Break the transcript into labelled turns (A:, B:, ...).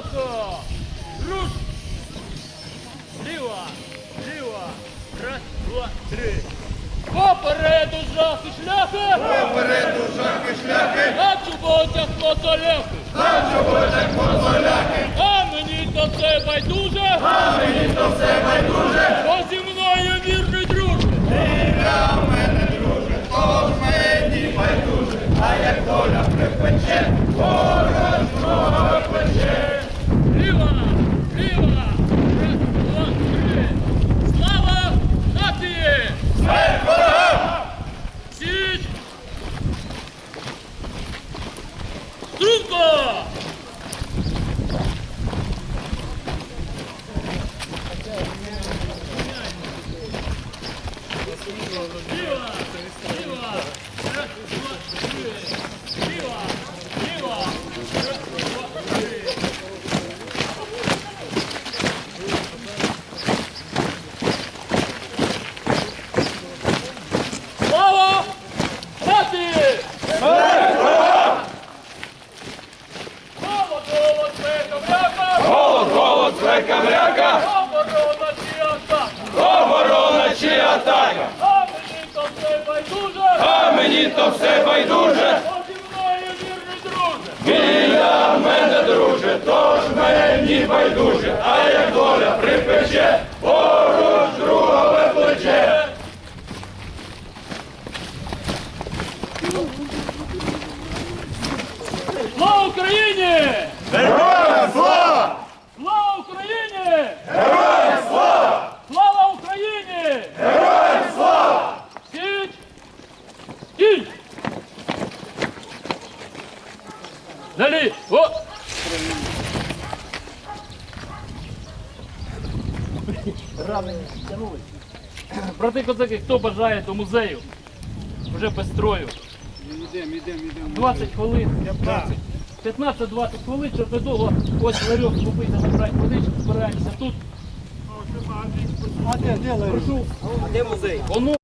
A: шляха! Руш! Ліва! Ліва! Раз, два, три! Попереду жахи шляхи!
B: Попереду жахи шляхи,
A: На чоботях мотоляхи!
B: на чоботях мотоляхи,
A: А мені то все байдуже!
B: а мені то все байдуже.
A: Бо зі мною вірний друже!
B: Ти для мене, друже, тож мені байдуже, а як доля припече, ворог друга пече.
A: Ліва! Ліва! Раз, два, три! Слава нації!
B: Смерть ворогам!
A: Січ! Струнко! Ліва! Ліва! Раз, два, три! Ліва! Ліва! Раз, два, три! Слава нації! Голод, голод, свека, мряка!
B: Голод, голод, свека, мряка,
A: Оборона чи атака!
B: оборона чи атака.
A: А мені то все байдуже!
B: А мені то все байдуже.
A: Бо зі мною вірний друже!
B: Біля мене, друже, тож мені байдуже, а як доля припече, поруч другове плече.
A: Слава Україні!
B: Героям слава!
A: Слава Україні!
B: Героям слава!
A: Слава Україні!
B: Героям слава!
A: Січ! Стій! Далі! О! Брати козаки, хто бажає до музею? Вже без строю.
C: Ідемо.
A: 20 хвилин. 15-20 хвилин, щоб недовго ось ларьок купити, забрати водичку, збираємося тут.
C: А де ларьок?
A: Прошу.
C: А де музей?
A: Воно